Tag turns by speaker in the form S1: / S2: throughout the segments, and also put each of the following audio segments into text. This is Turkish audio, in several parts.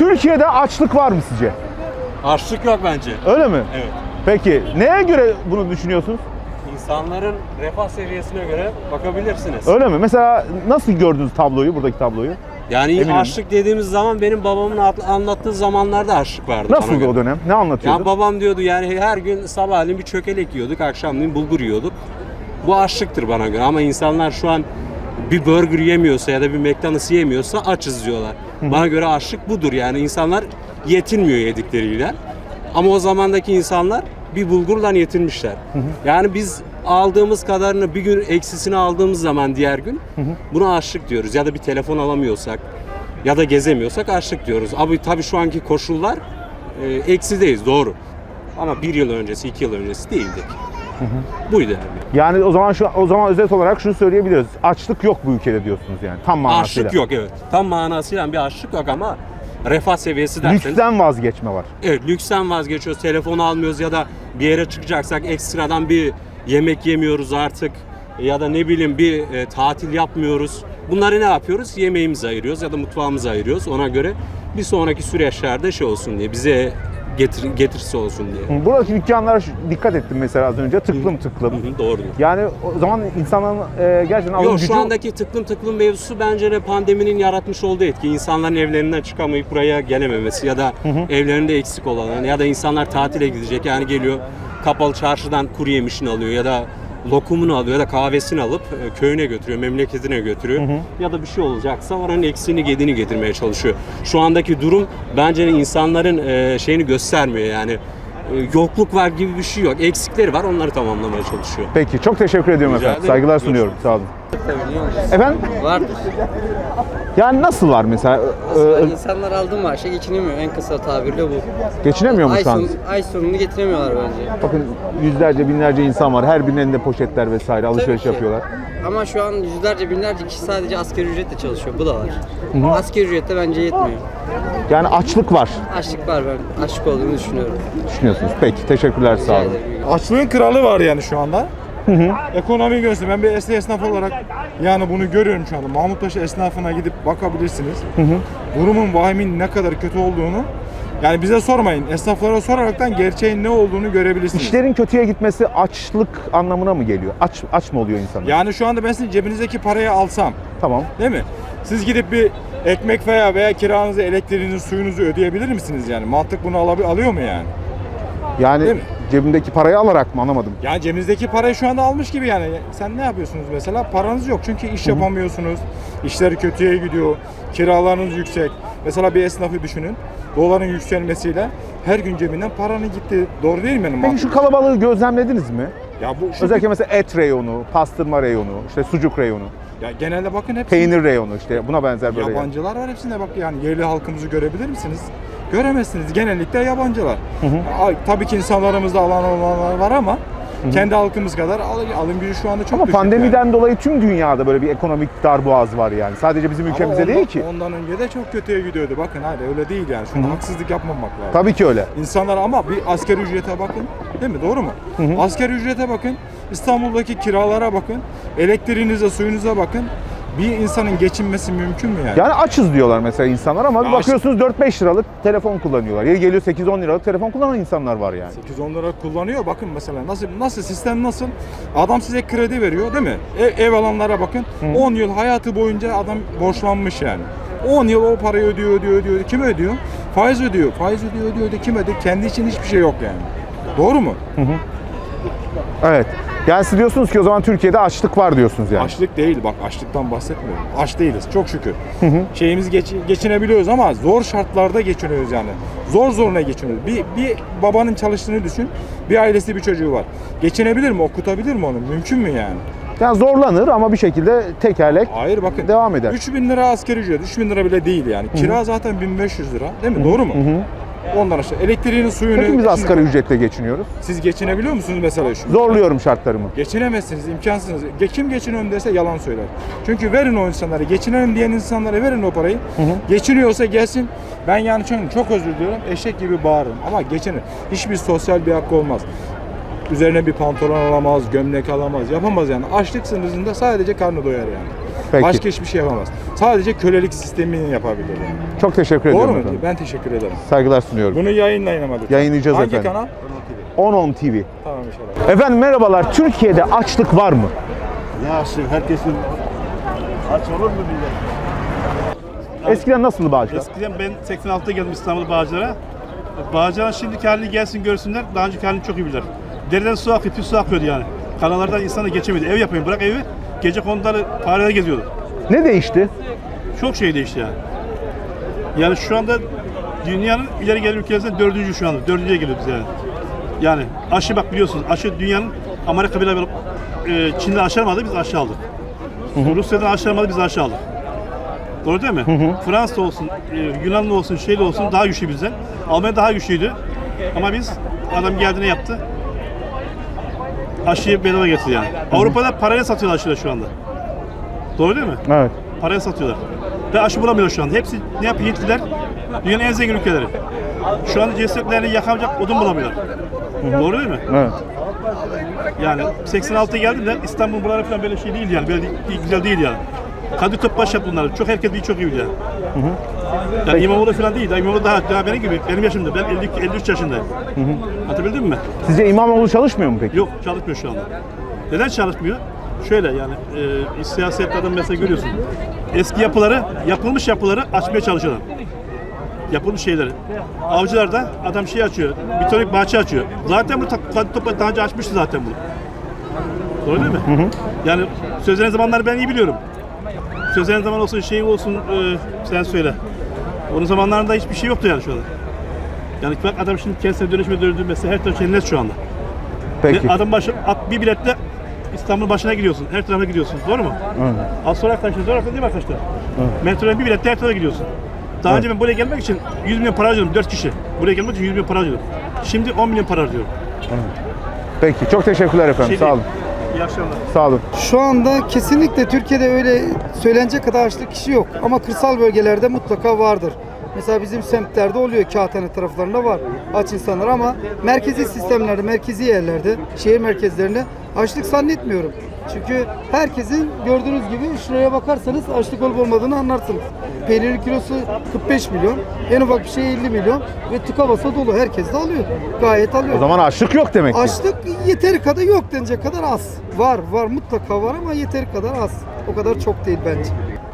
S1: Türkiye'de açlık var mı sizce?
S2: Açlık yok bence.
S1: Öyle mi?
S2: Evet.
S1: Peki neye göre bunu düşünüyorsunuz?
S2: İnsanların refah seviyesine göre bakabilirsiniz.
S1: Öyle mi? Mesela nasıl gördünüz tabloyu, buradaki tabloyu?
S2: Yani
S1: Eminim.
S2: açlık dediğimiz zaman benim babamın anlattığı zamanlarda açlık vardı.
S1: Nasıldı o dönem? Ne anlatıyordu?
S2: Ya babam diyordu yani her gün sabahleyin bir çökelek yiyorduk, akşamleyin bulgur yiyorduk. Bu açlıktır bana göre ama insanlar şu an bir burger yemiyorsa ya da bir McDonald's yemiyorsa açız diyorlar. Bana göre açlık budur yani insanlar yetinmiyor yedikleriyle. Ama o zamandaki insanlar bir bulgurla yetinmişler. Yani biz aldığımız kadarını bir gün eksisini aldığımız zaman diğer gün buna açlık diyoruz. Ya da bir telefon alamıyorsak ya da gezemiyorsak açlık diyoruz. Abi tabii şu anki koşullar eksideyiz doğru. Ama bir yıl öncesi, 2 yıl öncesi değildik. Buydu yani.
S1: Yani o zaman özet olarak şunu söyleyebiliriz. Açlık yok bu ülkede diyorsunuz yani tam manasıyla.
S2: Açlık yok evet. Tam manasıyla bir açlık yok ama refah seviyesi derseniz.
S1: Lüksten vazgeçme var.
S2: Evet, lüksten vazgeçiyoruz. Telefonu almıyoruz ya da bir yere çıkacaksak ekstradan bir yemek yemiyoruz artık. Ya da ne bileyim bir tatil yapmıyoruz. Bunları ne yapıyoruz? Yemeğimizi ayırıyoruz ya da mutfağımızı ayırıyoruz. Ona göre bir sonraki süreçlerde şey olsun diye, bize getirisi olsun diye.
S1: Buradaki dükkanlara dikkat ettim mesela az önce. Tıklım tıklım.
S2: Doğrudur.
S1: Yani o zaman insanların gerçekten alım
S2: Yok
S1: gücü...
S2: şu andaki tıklım mevzusu bence de pandeminin yaratmış olduğu etki. İnsanların evlerinden çıkamayıp buraya gelememesi ya da evlerinde eksik olan ya da insanlar tatile gidecek yani geliyor kapalı çarşıdan kuru yemişini alıyor ya da lokumunu alıyor ya da kahvesini alıp köyüne götürüyor, memleketine götürüyor. Ya da bir şey olacaksa oranın eksiğini gediğini getirmeye çalışıyor. Şu andaki durum bence insanların şeyini göstermiyor yani. Yokluk var gibi bir şey yok. Eksikleri var, onları tamamlamaya çalışıyor.
S1: Peki, çok teşekkür ediyorum
S2: Rica
S1: efendim.
S2: ederim.
S1: Saygılar sunuyorum. Sağ olun. Efendim?
S3: Vardır.
S1: Yani nasıl var mesela?
S3: İnsanlar aldığı maaşa geçinemiyor. En kısa tabirle bu.
S1: Geçinemiyor mu şu an?
S3: Ay sonunu getiremiyorlar bence.
S1: Bakın yüzlerce, binlerce insan var. Her birinin elinde poşetler vesaire, alışveriş
S3: Tabii ki.
S1: yapıyorlar.
S3: Ama şu an yüzlerce binlerce kişi sadece asgari ücretle çalışıyor. Bu da var. Asgari ücrette bence yetmiyor.
S1: Yani açlık var.
S3: Açlık var, ben açlık olduğunu düşünüyorum.
S1: Düşünüyorsunuz. Peki, teşekkürler. Sağ olun.
S4: Açlığın kralı var yani şu anda. Ekonomi gösteriyor. Ben bir esnaf olarak yani bunu görüyorum şu anda. Mahmutpaşa esnafına gidip bakabilirsiniz. Durumun vahimin ne kadar kötü olduğunu yani bize sormayın. Esnaflara soraraktan gerçeğin ne olduğunu görebilirsiniz.
S1: İşlerin kötüye gitmesi açlık anlamına mı geliyor? Aç mı oluyor insanlar?
S4: Yani şu anda ben sizin cebinizdeki parayı alsam,
S1: Tamam.
S4: değil mi? Siz gidip bir ekmek veya kiranızı, elektriğinizi, suyunuzu ödeyebilir misiniz yani? Mantık bunu alıyor mu yani?
S1: Yani
S4: Değil mi?
S1: cebimdeki parayı alarak mı, anlamadım.
S4: Yani cebinizdeki parayı şu anda almış gibi yani. Sen ne yapıyorsunuz mesela? Paranız yok çünkü iş yapamıyorsunuz. İşler kötüye gidiyor. Kiralarınız yüksek. Mesela bir esnafı düşünün. Doların yükselmesiyle her gün cebinden paranın gitti. Doğru değil mi benim
S1: Peki şu kalabalığı gözlemlediniz mi?
S4: Ya bu şu
S1: Özellikle mesela et reyonu, pastırma reyonu, işte sucuk reyonu,
S4: ya genelde bakın hepsi
S1: peynir reyonu, işte buna benzer böyle.
S4: yabancılar var hepsinde bak yani yerli halkımızı görebilir misiniz? Göremezsiniz. Genellikle yabancılar. Tabii ki insanlarımızda alan olanlar var ama kendi halkımız kadar alım gücü şu anda çok
S1: Ama
S4: düşük
S1: pandemiden
S4: yani.
S1: dolayı tüm dünyada böyle bir ekonomik darboğaz var yani. Sadece bizim
S4: Ama
S1: ülkemizde değil ki.
S4: Ondan önce de çok kötüye gidiyordu. Bakın hayır öyle değil yani. Şuna haksızlık yapmamak lazım.
S1: Tabii ki öyle.
S4: İnsanlar ama bir asgari ücrete bakın. Değil mi? Doğru mu? Asgari ücrete bakın. İstanbul'daki kiralara bakın. Elektriğinize, suyunuza bakın. Bir insanın geçinmesi mümkün mü yani?
S1: Yani açız diyorlar mesela insanlar ama
S4: Ya
S1: bakıyorsunuz 4-5 liralık telefon kullanıyorlar. Yeri geliyor 8-10 liralık telefon kullanan insanlar var yani.
S4: 8-10 lira kullanıyor. Bakın mesela nasıl sistem nasıl? Adam size kredi veriyor değil mi? Ev alanlara bakın. 10 yıl hayatı boyunca adam borçlanmış yani. 10 yıl o parayı ödüyor. Kim ödüyor? Faiz ödüyor. Faiz ödüyor. Kim ödüyor? Kendi için hiçbir şey yok yani. Doğru mu?
S1: Evet. Yani siz diyorsunuz ki o zaman Türkiye'de açlık var diyorsunuz yani.
S4: Açlık değil bak açlıktan bahsetmiyorum. Aç değiliz çok şükür. Şeyimizi geçinebiliyoruz ama zor şartlarda geçiniyoruz yani. Zoruna geçiniyoruz. Bir babanın çalıştığını düşün. Bir ailesi bir çocuğu var. Geçinebilir mi? Okutabilir mi onu? Mümkün mü yani?
S1: Yani zorlanır ama bir şekilde tekerlek
S4: Hayır bakın.
S1: devam eder.
S4: 3.000 lira asgari ücret. 3.000 lira bile değil yani. Kira zaten 1.500 lira. Değil mi? Doğru mu? Ondan aşağı elektriğini, suyunu...
S1: Hepimiz asgari ücretle geçiniyoruz.
S4: Siz geçinebiliyor musunuz mesela şu?
S1: Zorluyorum şartlarımı.
S4: Geçinemezsiniz, imkansınız. Kim geçiniyorum derse yalan söyler. Çünkü verin o insanlara, geçinelim diyen insanlara verin o parayı. Geçiniyorsa gelsin. Ben yani çok özür diliyorum, eşek gibi bağırırım ama geçinir. Hiçbir sosyal bir hakkı olmaz. Üzerine bir pantolon alamaz, gömlek alamaz, yapamaz yani. Açlık sınırında sadece karnı doyar yani.
S1: Peki.
S4: Başka hiçbir şey yapamaz. Sadece kölelik sistemini yapabilir yani.
S1: Çok teşekkür
S4: Doğru
S1: ediyorum
S4: mu?
S1: efendim.
S4: Ben teşekkür ederim.
S1: Saygılar sunuyorum.
S4: Bunu yayınlayın ama lütfen.
S1: Yayınlayacağız
S4: Hangi
S1: efendim.
S4: kanal?
S1: 10 TV.
S4: Tamam inşallah.
S1: Efendim merhabalar. Türkiye'de açlık var mı?
S5: Ya şimdi herkesin aç olur mu millet?
S1: Eskiden nasıldı Bağcılar?
S5: Eskiden ben 86'da geldim İstanbul Bağcılar'a. Bağcılar'ın şimdiki halini gelsin görsünler, daha önceki halini çok iyi bilirler. Dereden su akıyor, pis su akıyordu yani. Kanallardan insanlar geçemedi. Ev yapayım, bırak evi, gece konuları fareler geziyordu.
S1: Ne değişti?
S5: Çok şey değişti yani. Yani şu anda dünyanın ileri gelen ülkelerinden 4. şu anda, 4.'ye geliyoruz yani. Yani aşı bak biliyorsunuz, aşı dünyanın Amerika bile Çin'de aşı almadı, biz aşı aldık. Rusya'dan aşı almadı, biz aşı aldık. Doğru değil mi? Fransa olsun, Yunanlı olsun, şeyli olsun daha güçlü bizden. Almanya daha güçlüydü. Ama biz, adam geldi ne yaptı? Aşıyı bedava getirdi yani. Avrupa'da parayla satıyorlar aşıları şu anda. Doğru değil mi?
S1: Evet.
S5: Paraya satıyorlar. Ve aşı bulamıyor şu anda. Hepsi ne yapıyor Hintliler? Dünyanın en zengin ülkeleri. Şu anda cesetlerini yakamayacak odun bulamıyorlar. Doğru değil mi?
S1: Evet.
S5: Yani 86'ya geldim de İstanbul buraları falan böyle şey değil yani. Böyle güzel değil yani. Kadı Topbaş yaptı bunları. Çok herkes çok iyi biliyor. Yani İmamoğlu falan değil. İmamoğlu daha benim gibi. Benim yaşımda. Ben 53 yaşındayım. Anlatabildim mi?
S1: Sizce İmamoğlu çalışmıyor mu peki?
S5: Yok çalışmıyor şu anda. Neden çalışmıyor? Şöyle yani siyasetlerden mesela görüyorsun. Eski yapıları, yapılmış yapıları açmaya çalışıyorlar. Yapılmış şeyleri. Avcılarda adam şey açıyor, bitonik bahçe açıyor. Zaten bu Kadı Topbaş daha önce açmıştı zaten bunu. Doğru değil mi? Yani sözlerin zamanları ben iyi biliyorum. Sözlerin zaman olsun, şey olsun, sen söyle. Onun zamanlarında hiçbir şey yoktu yani şu anda. Yani bak adam şimdi kendisine dönüşme döndü mesela her taraf cennet şu anda.
S1: Peki.
S5: Ve adam başı bir biletle İstanbul başına gidiyorsun, her tarafa gidiyorsun, doğru mu?
S1: Evet.
S5: Az sonra arkadaşlar, doğru değil mi arkadaşlar? Metroya bir biletle her tarafa gidiyorsun. Daha önce ben buraya gelmek için 100 milyon para harcadım, 4 kişi. Buraya gelmek için 100 milyon para harcadım. Şimdi 10 milyon para harcıyorum.
S1: Peki. Çok teşekkürler efendim.
S5: Şey
S1: Sağ olun.
S5: İyi akşamlar.
S1: Sağ olun.
S6: Şu anda kesinlikle Türkiye'de öyle söylenecek kadar açlık kişi yok. Ama kırsal bölgelerde mutlaka vardır. Mesela bizim semtlerde oluyor, Kağıthane taraflarında var aç insanlar ama merkezi sistemlerde, merkezi yerlerde, şehir merkezlerinde açlık zannetmiyorum. Çünkü herkesin gördüğünüz gibi şuraya bakarsanız açlık olup olmadığını anlarsınız. Peynirin kilosu 45 milyon, en ufak bir şey 50 milyon ve tıka basa dolu. Herkes de alıyor. Gayet alıyor.
S1: O zaman açlık yok demek ki.
S6: Açlık yeteri kadar yok denecek kadar az. Var mutlaka var ama yeteri kadar az. O kadar çok değil bence.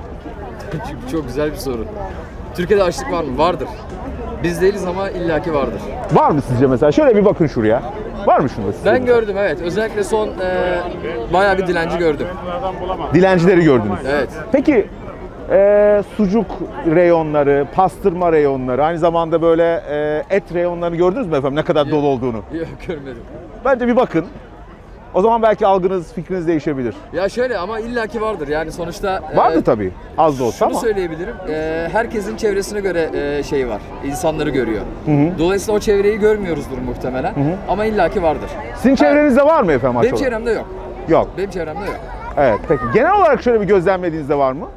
S3: Çok güzel bir soru. Türkiye'de açlık var mı? Vardır. Biz değiliz ama illaki vardır.
S1: Var mı sizce mesela? Şöyle bir bakın şuraya. Var mı şurada sizce?
S3: Ben gördüm evet. Özellikle son bayağı bir dilenci gördüm.
S1: Dilencileri gördünüz.
S3: Evet.
S1: Peki sucuk reyonları, pastırma reyonları, aynı zamanda böyle et reyonlarını gördünüz mü efendim? Ne kadar dolu olduğunu.
S3: Yok görmedim.
S1: Bence bir bakın. O zaman belki algınız, fikriniz değişebilir.
S3: Ya şöyle ama illaki vardır. Yani sonuçta
S1: Vardı tabii. Az da olsa
S3: şunu
S1: ama.
S3: söyleyebilirim. Herkesin çevresine göre şey var. İnsanları görüyor. Dolayısıyla o çevreyi görmüyoruzdur muhtemelen. Ama illaki vardır.
S1: Sizin çevrenizde var mı efendim
S3: Benim
S1: açık olarak?
S3: çevremde yok.
S1: Yok.
S3: Benim çevremde yok.
S1: Evet peki. Genel olarak şöyle bir gözlemlediğinizde var mı?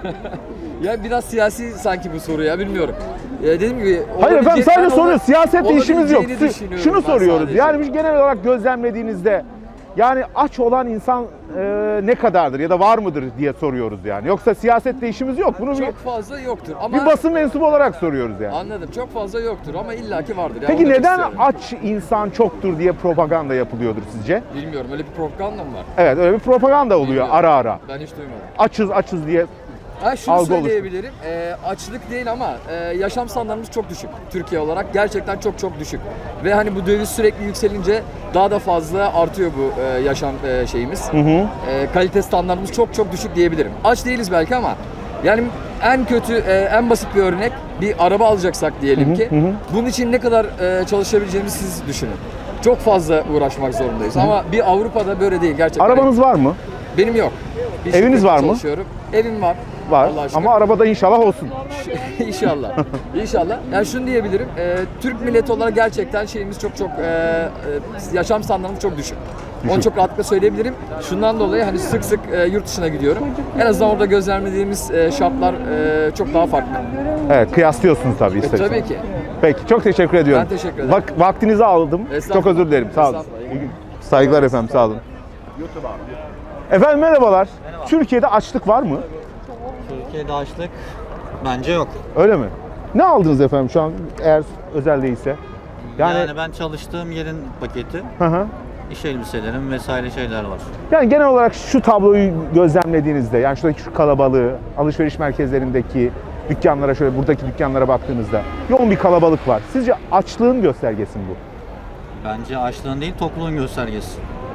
S3: Ya biraz siyasi sanki bu soru ya bilmiyorum. Dediğim gibi
S1: Hayır efendim
S3: olabilecek-
S1: sadece
S3: ben
S1: soruyoruz. Siyasetle işimiz yok.
S3: olabileceğini düşünüyorum
S1: Şunu
S3: ben
S1: soruyoruz.
S3: sadece.
S1: Yani biz genel olarak gözlemlediğinizde yani aç olan insan ne kadardır ya da var mıdır diye soruyoruz yani. Yoksa siyasetle işimiz yok. Bunu
S3: Çok fazla yoktur ama
S1: bir basın mensubu olarak soruyoruz yani.
S3: anladım. Çok fazla yoktur ama illaki vardır. Yani
S1: Peki
S3: onu demek
S1: neden
S3: istiyorum.
S1: aç insan çoktur diye propaganda yapılıyordur sizce?
S3: Bilmiyorum. Öyle bir propaganda mı var?
S1: Evet öyle bir propaganda oluyor
S3: Bilmiyorum.
S1: ara ara.
S3: Ben hiç duymadım.
S1: Açız diye.
S3: Şunu
S1: Algı
S3: söyleyebilirim. Açlık değil ama yaşam standartımız çok düşük. Türkiye olarak gerçekten çok düşük. Ve hani bu döviz sürekli yükselince daha da fazla artıyor bu yaşam şeyimiz. Kalite standartımız çok düşük diyebilirim. Aç değiliz belki ama yani en kötü, en basit bir örnek bir araba alacaksak diyelim ki bunun için ne kadar çalışabileceğimizi siz düşünün. Çok fazla uğraşmak zorundayız ama bir Avrupa'da böyle değil gerçekten.
S1: Arabanız var mı?
S3: Benim yok. Bir
S1: Eviniz
S3: şirkette
S1: var mı?
S3: çalışıyorum. Evim var.
S1: Var.
S3: Allah'a şükür.
S1: Ama arabada inşallah olsun.
S3: İnşallah. İnşallah. Yani şunu diyebilirim. Türk milleti olarak gerçekten şeyimiz çok yaşam standartımız çok düşük. Onu çok rahatlıkla söyleyebilirim. Şundan dolayı hani sık yurt dışına gidiyorum. En azından orada gözlemlediğimiz şartlar çok daha farklı.
S1: Evet kıyaslıyorsunuz tabii ister
S3: Tabii
S1: istemez.
S3: ki.
S1: Peki çok teşekkür ediyorum.
S3: Ben teşekkür ederim.
S1: Vaktinizi aldım. Çok
S3: Estağfurullah.
S1: özür dilerim. Sağ olun.
S3: Estağfurullah.
S1: Saygılar efendim sağ olun. Efendim merhabalar.
S7: Merhaba.
S1: Türkiye'de açlık var mı?
S7: Türkiye'de açlık bence yok.
S1: Öyle mi? Ne aldınız efendim şu an eğer özel değilse?
S7: Yani ben çalıştığım yerin paketi,
S1: Hı hı.
S7: iş elbiselerim vesaire şeyler var.
S1: Yani genel olarak şu tabloyu gözlemlediğinizde, yani şuradaki şu kalabalığı, alışveriş merkezlerindeki dükkanlara, şöyle buradaki dükkanlara baktığınızda yoğun bir kalabalık var. Sizce açlığın göstergesi mi bu?
S7: Bence açlığın değil, tokluğun göstergesi.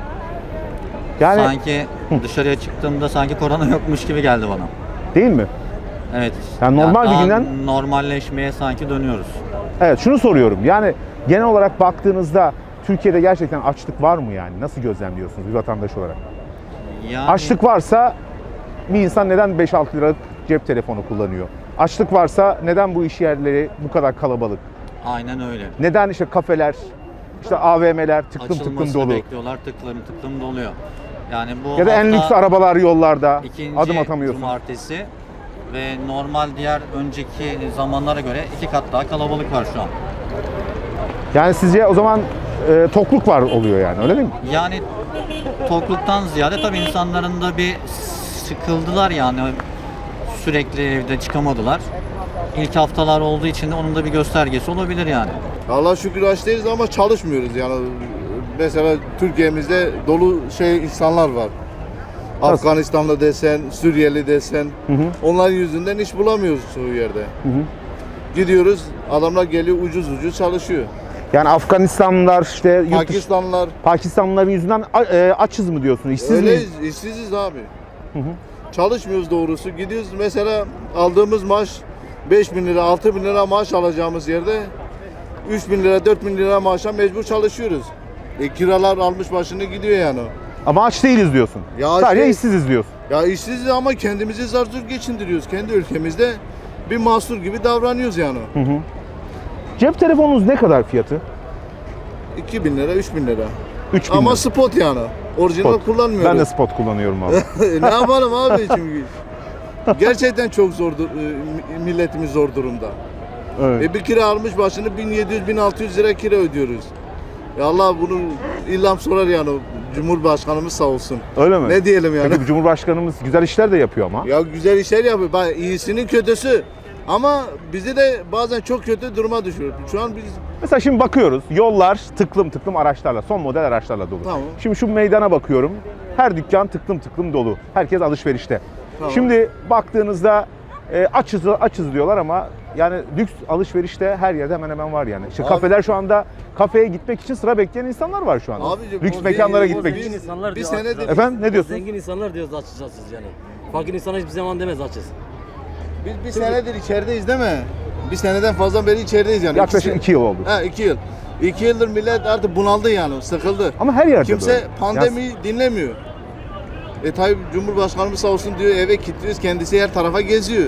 S1: Yani
S7: Sanki dışarıya çıktığımda sanki korona yokmuş gibi geldi bana.
S1: değil mi?
S7: Evet.
S1: Yani normal bir
S7: daha
S1: günden-
S7: normalleşmeye sanki dönüyoruz.
S1: Evet, şunu soruyorum. Yani genel olarak baktığınızda Türkiye'de gerçekten açlık var mı yani? Nasıl gözlemliyorsunuz bir vatandaş olarak?
S7: Yani
S1: Açlık varsa bir insan neden 5-6 liralık cep telefonu kullanıyor? Açlık varsa neden bu iş yerleri bu kadar kalabalık?
S7: aynen öyle.
S1: Neden işte kafeler, işte AVM'ler tıklım tıklım
S7: Açılmasını
S1: dolu?
S7: bekliyorlar, tıklım tıklım doluyor. Yani bu
S1: Ya da en
S7: hafta
S1: lüks arabalar yollarda,
S7: ikinci
S1: adım atamıyorsun.
S7: cumartesi ve normal diğer önceki zamanlara göre 2 kat daha kalabalık var şu an.
S1: Yani sizce o zaman tokluk var oluyor yani, öyle değil mi?
S7: Yani tokluktan ziyade tabii insanların da bir sıkıldılar yani sürekli evde çıkamadılar. İlk haftalar olduğu için de onun da bir göstergesi olabilir yani.
S8: Allah şükür aç değiliz ama çalışmıyoruz yani. Mesela Türkiye'mizde dolu insanlar var. Afganistanlı desen, Suriyeli desen. Onların yüzünden iş bulamıyoruz çoğu yerde. Gidiyoruz, adamlar geliyor ucuz ucuz çalışıyor.
S1: Yani Afganistanlılar işte yurt dışı-
S8: Pakistanlılar
S1: Pakistanlıların yüzünden açız mı diyorsun? İşsiz miyiz?
S8: öyleyiz, işsiziz abi. Çalışmıyoruz doğrusu. Gidiyoruz mesela aldığımız maaş 5.000 lira, 6.000 lira maaş alacağımız yerde 3.000 lira, 4.000 lira maaşa mecbur çalışıyoruz. Kiralar almış başını gidiyor yani.
S1: Ama aç değiliz diyorsun.
S8: Ya
S1: Sadece
S8: şey-
S1: işsiziz diyorsun.
S8: Ya işsiziz ama kendimizi zar zor geçindiriyoruz. Kendi ülkemizde bir mahsur gibi davranıyoruz yani.
S1: Cep telefonunuz ne kadar fiyatı?
S8: 2.000 lira, 3.000 lira.
S1: 3000
S8: Ama
S1: lira.
S8: spot yani. Orijinal
S1: Spot.
S8: kullanmıyoruz.
S1: Ben de spot kullanıyorum abi.
S8: Ne yapalım abi çünkü. Gerçekten çok zor, milletimiz zor durumda.
S1: Evet.
S8: Bir kira almış başını 1700-1600 lira kira ödüyoruz. Ya Allah bunu illam sorar yani Cumhurbaşkanımız sağ olsun.
S1: Öyle mi?
S8: Ne diyelim yani?
S1: Peki bu Cumhurbaşkanımız güzel işler de yapıyor ama.
S8: Ya güzel işler yapıyor. Bak iyisinin kötüsü. Ama bizi de bazen çok kötü duruma düşürüyor. Şu an biz
S1: Mesela şimdi bakıyoruz, yollar tıklım tıklım araçlarla, son model araçlarla dolu.
S8: Tamam.
S1: Şimdi şu meydana bakıyorum, her dükkan tıklım tıklım dolu. Herkes alışverişte.
S8: Tamam.
S1: Şimdi baktığınızda açız diyorlar ama yani lüks alışverişte her yerde hemen hemen var yani. İşte
S8: Abi-
S1: kafeler şu anda kafeye gitmek için sıra bekleyen insanlar var şu anda.
S8: Abicim,
S1: lüks
S8: o
S1: mekanlara
S8: değil, o
S1: gitmek
S8: değil.
S1: için.
S9: insanlar
S8: bir
S9: diyor,
S8: senedir
S9: açız.
S1: Efendim ne diyorsunuz?
S9: Zengin insanlar diyoruz açız yani. Fakir insan hiçbir zaman demez açız.
S8: biz bir senedir içerideyiz değil mi? Bir seneden fazla beri içerideyiz yani.
S1: Yaklaşık 2 yıl oldu.
S8: Ha 2 yıl. 2 yıldır millet artık bunaldı yani, sıkıldı.
S1: Ama her yerde
S8: Kimse
S1: böyle.
S8: pandemiyi dinlemiyor. Tayyip Cumhurbaşkanımız sağ olsun diyor eve kilitliyoruz, kendisi her tarafa geziyor.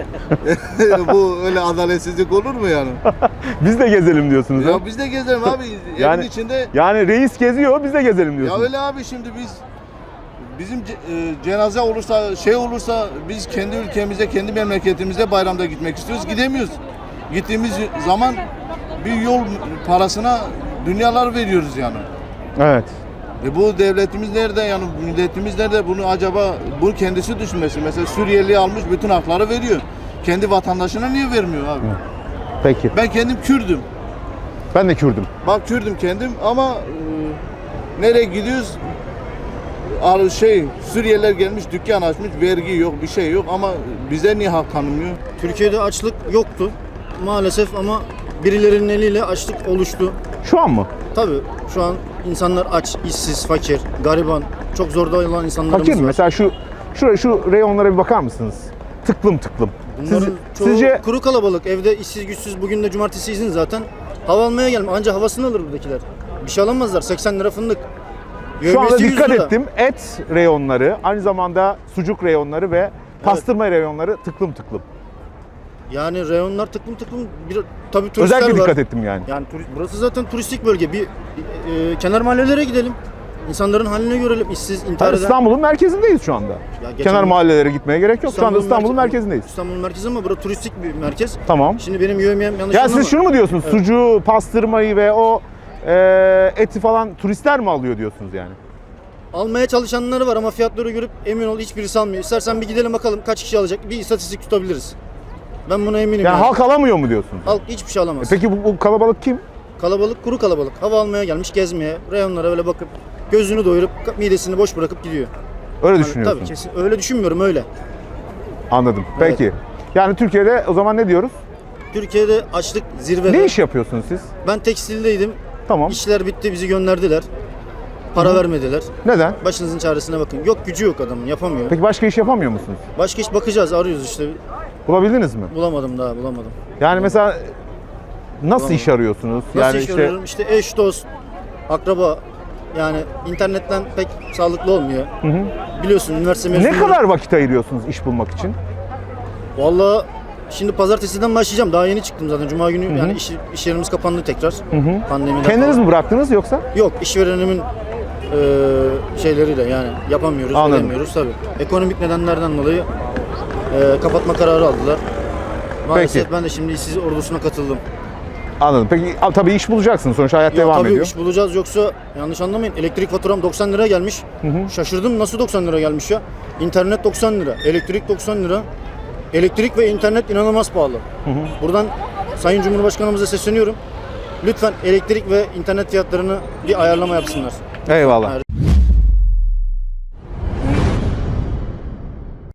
S8: Bu öyle adaletsizlik olur mu yani?
S1: Biz de gezelim diyorsunuz. ha?
S8: Ya biz de gezelim abi
S1: Yani-
S8: evin içinde.
S1: Yani reis geziyor, biz de gezelim
S8: Ya
S1: diyorsunuz.
S8: öyle abi şimdi bizim cenaze olursa şey olursa biz kendi ülkemize, kendi memleketimize bayramda gitmek istiyoruz. Gidemiyoruz. Gittiğimiz zaman bir yol parasına dünyalar veriyoruz yani.
S1: Evet.
S8: Bu devletimiz nerede yani milletimiz nerede bunu acaba bu kendisi düşünmesi. Mesela Suriyeli almış bütün hakları veriyor. Kendi vatandaşına niye vermiyor abi?
S1: Peki.
S8: Ben kendim Kürdüm.
S1: Ben de Kürdüm.
S8: Bak Kürdüm kendim ama nereye gidiyoruz? Suriyeliler gelmiş dükkan açmış vergi yok bir şey yok ama bize niye hak tanımıyor?
S10: Türkiye'de açlık yoktu maalesef ama birilerinin eliyle açlık oluştu.
S1: Şu an mı?
S10: Tabii şu an insanlar aç, işsiz, fakir, gariban, çok zorda olan insanlarımız
S1: Fakir mi?
S10: var.
S1: Mesela şu reyonlara bir bakar mısınız? Tıklım tıklım.
S10: Bunların çoğu
S1: Sizce
S10: kuru kalabalık, evde işsiz güçsüz, bugün de cumartesi izin zaten. Hava almaya gelme, anca havasını alır buradakiler. Bir şey alamazlar, 80 lira fındık.
S1: şu anda
S10: Yövmiyesi 100
S1: dikkat
S10: lira.
S1: ettim. Et reyonları, aynı zamanda sucuk reyonları ve pastırma reyonları tıklım tıklım.
S10: Yani reyonlar tıklım tıklım, tabii turistler
S1: Özellikle
S10: var.
S1: dikkat ettim yani.
S10: Yani burası zaten turistik bölge. Bir kenar mahallelere gidelim. İnsanların halini görelim. İşsiz, intihar
S1: Yani
S10: eden.
S1: İstanbul'un merkezindeyiz şu anda.
S10: geçen
S1: Kenar
S10: gün-
S1: mahallelere gitmeye gerek yok. Şu anda İstanbul'un merkezindeyiz.
S10: İstanbul'un merkezi ama burası turistik bir merkez.
S1: Tamam.
S10: Şimdi benim yövmiyem yanlış
S1: Ya
S10: anlama.
S1: siz şunu mu diyorsunuz? Sucuğu, pastırmayı ve o eti falan turistler mi alıyor diyorsunuz yani?
S10: almaya çalışanları var ama fiyatları görüp emin ol hiçbirisi almıyor. İstersen bir gidelim bakalım kaç kişi alacak. Bir istatistik tutabiliriz. Ben buna eminim.
S1: Yani halk alamıyor mu diyorsunuz?
S10: Halk hiçbir şey alamaz.
S1: Peki bu kalabalık kim?
S10: Kalabalık, kuru kalabalık. Hava almaya gelmiş, gezmeye, reyonlara öyle bakıp gözünü doyurup midesini boş bırakıp gidiyor.
S1: Öyle
S10: Yani
S1: düşünüyorsun.
S10: tabii kesin. Öyle düşünmüyorum öyle.
S1: Anladım. Peki. Yani Türkiye'de o zaman ne diyoruz?
S10: Türkiye'de açlık zirvede.
S1: Ne iş yapıyorsunuz siz?
S10: Ben tekstildeydim.
S1: Tamam.
S10: İşler bitti, bizi gönderdiler. Para vermediler.
S1: Neden?
S10: Başınızın çaresine bakın. Yok gücü yok adamın, yapamıyor.
S1: Peki başka iş yapamıyor musunuz?
S10: Başka iş bakacağız, arıyoruz işte.
S1: Bulabildiniz mi?
S10: Bulamadım daha, bulamadım.
S1: Yani mesela nasıl iş arıyorsunuz?
S10: Nasıl
S1: Yani
S10: iş arıyorum? İşte eş, dost, akraba. Yani internetten pek sağlıklı olmuyor. Biliyorsun üniversite
S1: ne
S10: mezunları.
S1: kadar vakit ayırıyorsunuz iş bulmak için?
S10: Vallahi şimdi pazartesiden başlayacağım. Daha yeni çıktım zaten. Cuma günü yani iş yerimiz kapandı tekrar. Pandemiden
S1: Kendiniz
S10: falan.
S1: mi bıraktınız yoksa?
S10: Yok, işverenimin şeyleriyle yani yapamıyoruz,
S1: Anladım.
S10: edemiyoruz tabii. Ekonomik nedenlerden dolayı kapatma kararı aldılar. Maalesef
S1: Peki.
S10: ben de şimdi işsiz ordusuna katıldım.
S1: Anladım. Peki tabii iş bulacaksınız. Sonuçta hayat devam
S10: tabii
S1: ediyor.
S10: iş bulacağız yoksa yanlış anlamayın. Elektrik faturam 90 lira gelmiş. Şaşırdım nasıl 90 lira gelmiş ya. İnternet 90 lira, elektrik 90 lira. Elektrik ve internet inanılmaz pahalı. Buradan Sayın Cumhurbaşkanımıza sesleniyorum. Lütfen elektrik ve internet fiyatlarını bir ayarlama yapsınlar.
S1: Eyvallah.